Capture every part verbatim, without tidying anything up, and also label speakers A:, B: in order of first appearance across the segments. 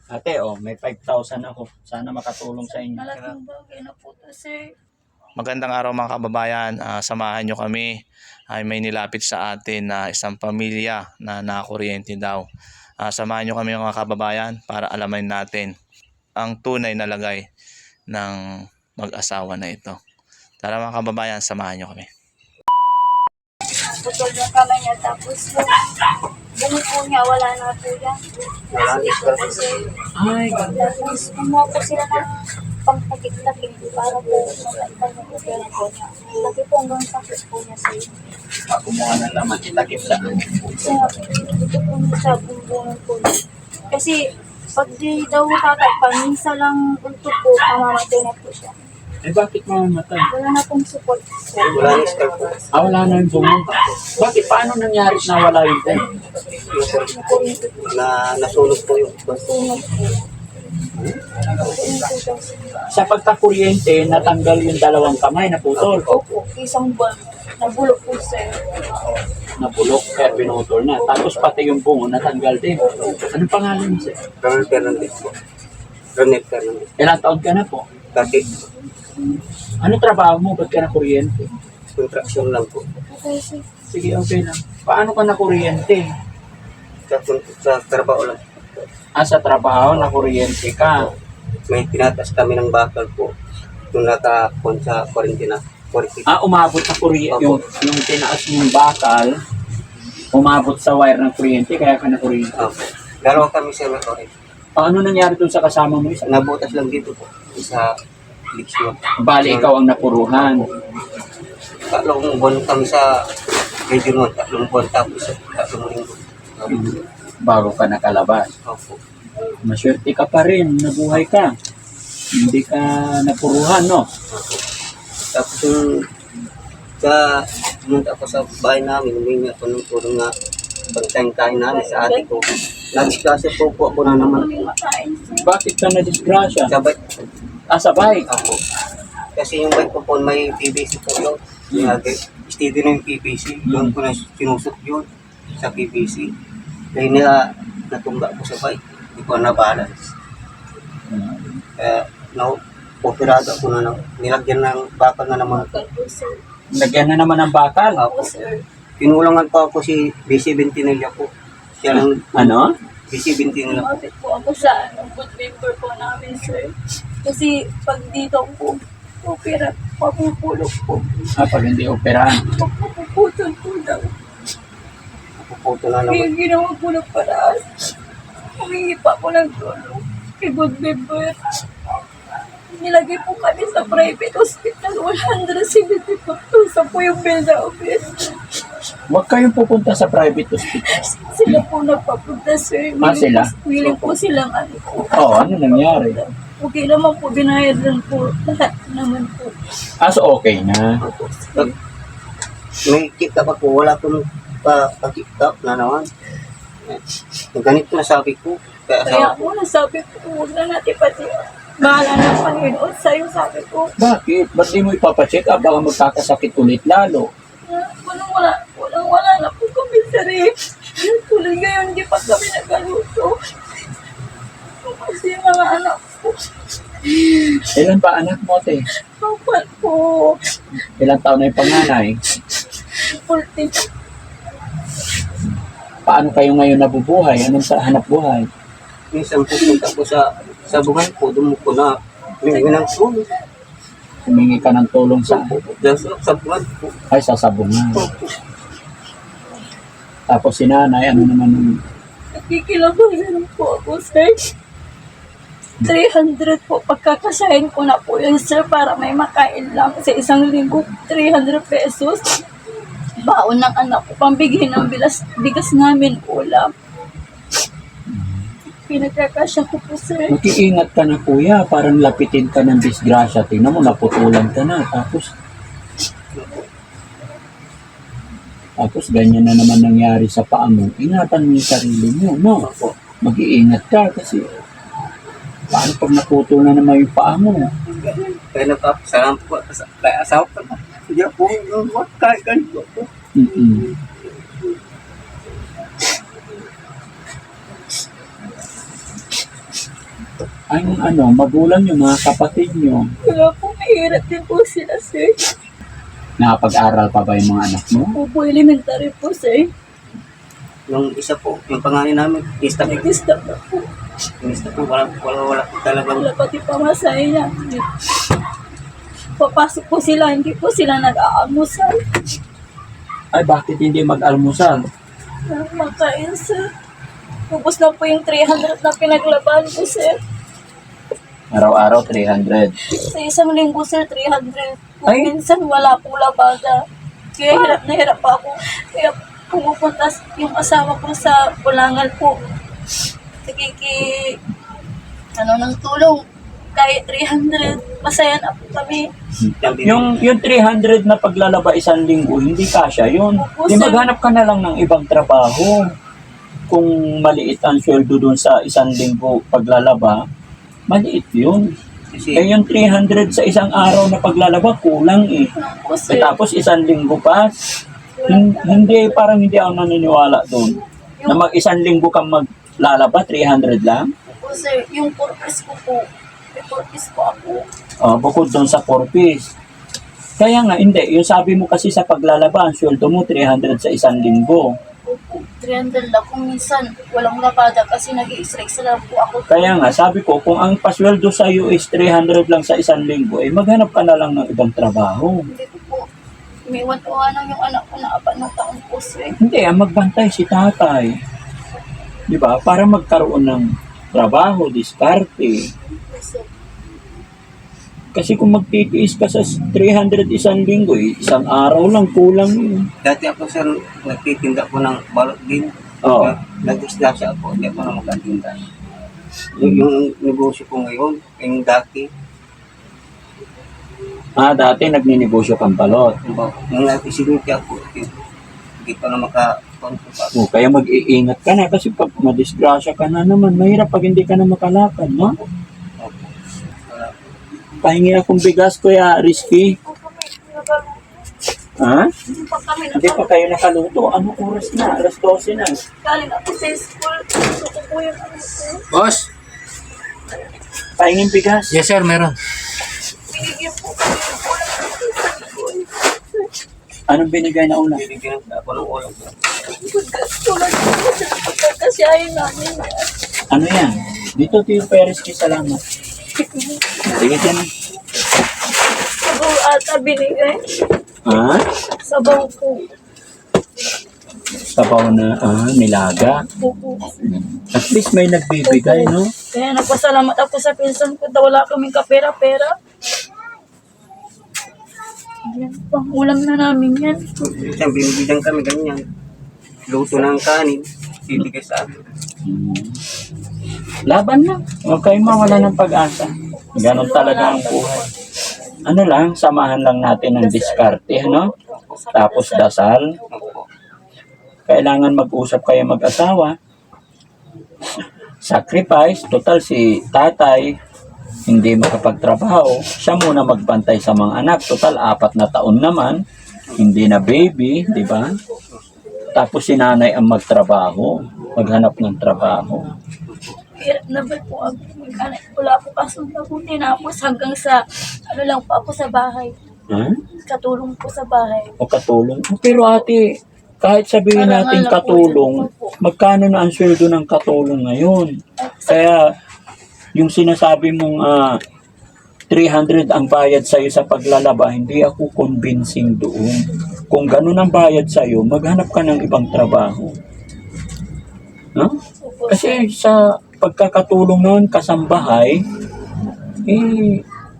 A: Ate, oh, may five thousand ako. Sana makatulong sa inyo.
B: Malaking bagay na po to, sir.
C: Magandang araw mga kababayan, Ah, samahan nyo kami. Ay may nilapit sa atin na isang pamilya na nakakuryente daw. Ah, samahan nyo kami mga kababayan para alamin natin ang tunay na lagay ng mag-asawa na ito. Tara mga kababayan, samahan nyo kami.
B: Putol yung kamay niya, tapos yung ganun po niya, wala na po yan.
D: Wala na
B: Ito po, sir.
A: Ay,
B: Tapos kumuha po sila ng pangtakit-takit para po matanggal na po pera po niya. Lagi po hanggang sakit po niya, sir.
A: kumuha na naman. Itakip sa
B: Kaya ito po niya sa bumbungan po niya. Kasi pag di daw tatakpan, minsan lang untok po, mamamatay na po siya.
A: Eh, bakit mamamatay?
B: Wala na pong support, sir.
D: Wala na scar po.
A: Ah, wala na yung bumunta. Bakit? Paano nangyari na wala yung time?
B: Nakuryente po.
D: Na nasunog po yung
B: Sunog po. Nakuryente daw, sir.
A: Sa pagkakuryente, natanggal yung dalawang kamay na putol.
B: Opo, isang buwan. Nabulok po, sir.
A: Nabulok, kaya pinutol na. Tapos pati yung bungo, natanggal din. Anong pangalan mo, sir?
D: Ronald Fernandez po. Ronald Fernandez.
A: Ilang taon ka na po?
D: Kasi
A: Ano trabaho mo? Ba't ka na kuryente?
D: contraction lang po.
B: Okay, sir.
A: Sige, okay lang. Paano ka na kuryente?
D: Sa, sa trabaho lang.
A: Ah, sa trabaho, na kuryente ka.
D: May pinatas kami ng bakal po. Nung nakapon sa quarantine. quarantine.
A: Ah, umabot sa kuryente. Yung, yung tinaas mong bakal, umabot sa wire ng kuryente, kaya ka na kuryente.
D: Opo. Dalawa kami sa okay.
A: Ah, ano nangyari dun sa kasama mo isa?
D: Nabutas lang dito po. Sa leksyon.
A: Bali, ikaw ang napuruhan.
D: Tatlong buwan kami sa medyo noon. Tatlong buwan tapos sa tatlong linggo.
A: Bago ka nakalabas.
D: Opo.
A: Maswerte ka pa rin, nabuhay ka. Hindi ka napuruhan, no?
D: Tapos yung sa pumunta ako sa bahay namin, humingi ako ng tulong na pagtayin-tayin namin sa ate ko. Nag-discuss po po ako na naman
B: Kaming makain, sir.
A: Bakit ka na-disgrasya?
D: sa bike
A: Ah, sa bike.
D: ako. Kasi yung bike ko po may P V C po yun. Lagi, steady na yung P V C. Doon ko na sinusot yun sa P V C. Dahil nila natumba ko sa bike. Hindi ko na-balance. Kaya na-operado ako na na- nilagyan ng bakal na naman.
B: Okay po, sir.
A: Lagyan na naman ng bakal.
B: Opo,
D: Ako.
B: sir.
D: Pinulangan pa ako si B C Bentinilla po. Siya lang
A: Ano?
D: B C Bentinilla po.
B: Lumapit po ako sa ano, good member po namin, sir. Kasi pag dito po, opera, papupulok po.
A: Ah, pag hindi operahan.
B: Papuputol po daw.
D: Napuputo na
B: Kaya
D: naman.
B: ginawa po ng paraan. Humingi pa po ng tulong kay good member. Nilagay po kami sa private hospital. one hundred seventy-five thousand po yung bill na office.
A: Huwag kayong pupunta sa private hospital.
B: Sila po nagpapunta, sir.
A: Ah, sila?
B: Po, willing po silang ano po.
A: Oo, oh, ano nangyari?
B: Okay naman po, binayad lang po. Lahat naman po.
A: Ah, so okay na.
D: Pag may kita pa po, wala ko nung pa, pa-tiktok na naman. Eh, ganito na sabi ko. Kaya
B: Kaya
D: sa
B: po, nasabi ko, huwag na natin pati. Bahala ng Panginoon sa'yo, sabi ko.
A: Bakit? Ba't di mo ipapacheck up? Baka magkakasakit ulit lalo.
B: Ah, Walang wala, walang wala na po kami sa rip. Tuloy ngayon, hindi pa kami nagaluto. Kasi yung mga anak ko,
A: Ilan ba anak mo, te?
B: kapal po.
A: Ilang taon na yung panganay?
B: fourteen.
A: Paano kayo ngayon nabubuhay? Anong sa hanap buhay?
D: minsan pupunta ko sa sa buhay ko, doon ko na humingi ng tulong.
A: Humingi ka ng tulong sa
D: Dahil sa, sa buhay ko.
A: ay sa sabungan. Tapos si nanay, ano naman yung
B: Nakikilabasan po ako, sir. three hundred po. Pagkakasahin ko na po yun, sir, para may makain lang sa isang linggo. three hundred pesos. Baon ng anak ko, pambigay ng bilas, bigas namin ulam. Pinagkakasya ko po, sir.
A: Mag-iingat ka na kuya, parang lapitin ka ng disgrasya. Tingnan mo, naputulan ka na. Tapos, tapos ganyan na naman nangyari sa paa mo. Ingatan mo yung sarili mo, no? Mag-iingat ka kasi paano pag naputol na naman yung paa mo?
D: Kaya nagpapasalam po sa kaya asawa ko na. Hindi ako yung kahit ganito po.
A: Mm-mm. Ang ano, magulang nyo, mga kapatid nyo,
B: Wala po, mahirap din po sila, sir.
A: nakapag-aral pa ba yung mga anak mo?
B: Opo, elementary po, sir.
D: Yung isa po, yung pangalan namin,ista po.
B: Nag-stop na po.
D: Yung isa po, wala, wala, wala po talagang
B: Wala pati pamasahe niya. Papasok po sila, hindi po sila nag-aamusal.
A: Ay, bakit hindi mag-almusal?
B: Makain, sir. Ubus na po yung three hundred na pinaglaban ko, sir.
A: Araw-araw, three hundred.
B: Sa isang linggo, sir, three hundred.
A: Ay.
B: Minsan wala po labada. Kaya hirap na hirap pa ako. Kaya pumupunta yung asawa ko sa Bulangal po. Nagkiki, ano, ng tulong. Kahit three hundred, masaya na po kami.
A: Yung, yung three hundred na paglalaba isang linggo, hindi kasya yun.
B: Opo,
A: Di
B: sir.
A: maghanap ka na lang ng ibang trabaho. Kung maliit ang sweldo dun sa isang linggo paglalaba, maliit yun.
D: kasi
A: Eh yung three hundred sa isang araw na paglalaba, kulang eh.
B: Ano po,
A: Eh,
B: sir.
A: tapos isang linggo pa, hin- hindi, parang hindi ako naniniwala doon. Na mag isang linggo kang maglalaba, three hundred lang.
B: Po, sir, yung purpose ko po, may purpose po ako.
A: Oh, bukod doon sa four piece. Kaya nga, hindi. Yung sabi mo kasi sa paglalaba, ang sweldo mo, three hundred sa isang linggo.
B: Opo, three hundred lang kung minsan walang labada kasi nag-i-strike lang po ako.
A: Kaya nga, sabi ko, kung ang pasweldo sa iyo is three hundred lang sa isang linggo, eh maghanap ka na lang ng ibang trabaho.
B: Hindi ko po, may iwan-iwanan yung anak ko na apat ng taon po, sir.
A: Hindi, ang magbantay si tatay. Di ba? Para magkaroon ng trabaho, diskarte.
B: Sir,
A: Kasi kung magtitiis ka sa three hundred isang linggo, eh, isang araw lang, kulang yun.
D: dati ako sir, nagtitinda po ng balot din.
A: Oo.
D: Nag-disgrasya ako, hindi ako na magkatinda. Yung, yung negosyo ko ngayon, yung dati,
A: Ah, dati nagninegosyo kang balot.
D: nung nag-isiniti ako, hindi ko na maka-control pa.
A: O, kaya mag-iingat ka na kasi pag madisgrasya ka na naman, mahirap pag hindi ka na makalakad, no?
D: Opo. Wala.
A: Pahingi akong bigas, Kuya Rizky.
B: po kami nakaluto.
A: Ha?
B: Hindi pa kami
A: Hindi pa
B: nakaluto.
A: kayo nakaluto. Anong oras na? alas twelve na.
B: Galing ako sa school. Gusto ko po yung ano ko.
E: Boss?
A: Pahinging bigas.
E: Yes sir, meron.
B: Binigyan po kami ng ulam ng isang school.
A: Anong binigay na ulam?
D: Binigyan ako ng ulam.
B: Tulad po sa pagkakasyahin namin.
A: Ano yan? Dito, Tio Perez, salamat. Sige, dyan.
B: Sabaw ata binigay.
A: Ha?
B: Sabaw po.
A: Sabaw na, ah, nilaga.
B: Opo.
A: At least may nagbibigay, no?
B: Kaya nagpasalamat ako sa pinsan ko na wala kaming kapera-pera. Yan, pang ulam na namin yan.
D: Minsan binibigyan kami ganyan. Luto ng kanin, bibigay sa amin.
A: Laban na. Huwag kayong mawala ng pag-asa. Ganon talaga ang buhay. Ano lang, samahan lang natin ng diskarte, no? Tapos dasal.
D: Opo.
A: Kailangan mag-usap kayo mag-asawa. Sacrifice. Total si tatay, hindi makapagtrabaho. Siya muna magbantay sa mga anak. Total, apat na taon naman. Hindi na baby, di ba? Tapos si nanay ang magtrabaho. Maghanap ng trabaho.
B: Hirap na ba po ako mag-anak? Wala po kasong mabuti na ako hanggang sa, ano lang po ako sa bahay.
A: Ha?
B: Katulong po sa bahay.
A: O katulong. Oh, pero ate, kahit sabihin
B: Parang
A: natin
B: alam po
A: katulong,
B: yun. Opo.
A: magkano na ang sweldo ng katulong ngayon? Kaya yung sinasabi mong ah, three hundred ang bayad sa'yo sa paglalaba, hindi ako convincing doon. Kung ganun ang bayad sa'yo, maghanap ka ng ibang trabaho. No?
B: Opo,
A: Kasi sa pagkakatulong noon, kasambahay, eh,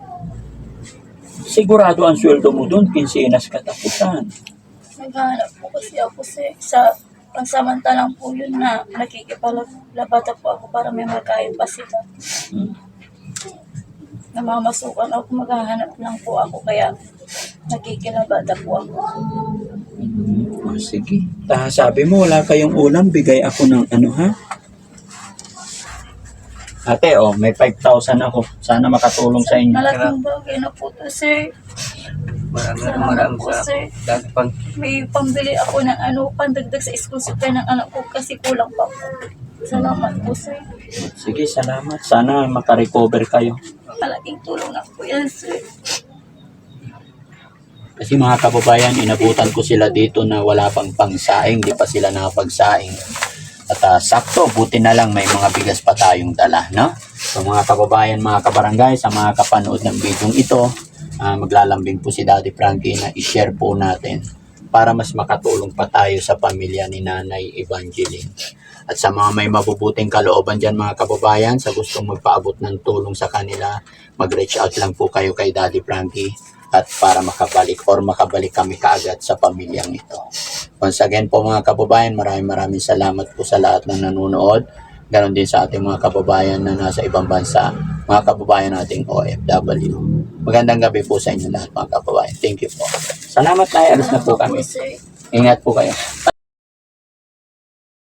A: sigurado ang sweldo mo doon, kinsinas katapusan.
B: naghahanap po kasi ako sa, sa pansamantalang po yun na nakikipalabata po ako para may magkain pa sila.
A: Hmm.
B: Namamasukan ako, maghahanap lang po ako kaya nakikilabata po ako.
A: Oh, sige. Ta, sabi mo, wala kayong ulam, bigay ako ng ano, ha? Ate, oh, may five thousand ako. Sana makatulong sa inyo.
B: Malaking bagay na po to, sir.
D: Maraming
B: Salamat
D: maraming
B: po,
D: sa
B: sir.
D: dati pang
B: May pambili ako ng ano, pandagdag sa school supply ng anak ko kasi kulang pa po. Salamat po, sir.
A: Sige, salamat. Sana makarecover kayo.
B: Malaking tulong na po yan, sir.
A: Kasi mga kababayan, inabutan ko sila dito na wala pang pangsaing, di pa sila nakapagsaing. At ah, sakto, buti na lang may mga bigas pa tayong dala, no? So mga kababayan, mga kabarangay, sa mga kapanood ng video ito, ah, maglalambing po si Daddy Frankie na i-share po natin para mas makatulong pa tayo sa pamilya ni Nanay Evangeline. At sa mga may mabubuting kalooban dyan mga kababayan, sa gustong magpaabot ng tulong sa kanila, mag-reach out lang po kayo kay Daddy Frankie at para makabalik or makabalik kami kaagad sa pamilyang ito. Once again po mga kababayan, maraming maraming salamat po sa lahat ng nanonood. Ganon din sa ating mga kababayan na nasa ibang bansa, mga kababayan nating O F W. Magandang gabi po sa inyo lahat mga kababayan. Thank you po. Salamat na, alis na po
B: Salamat
A: kami.
B: sir.
A: Ingat po kayo.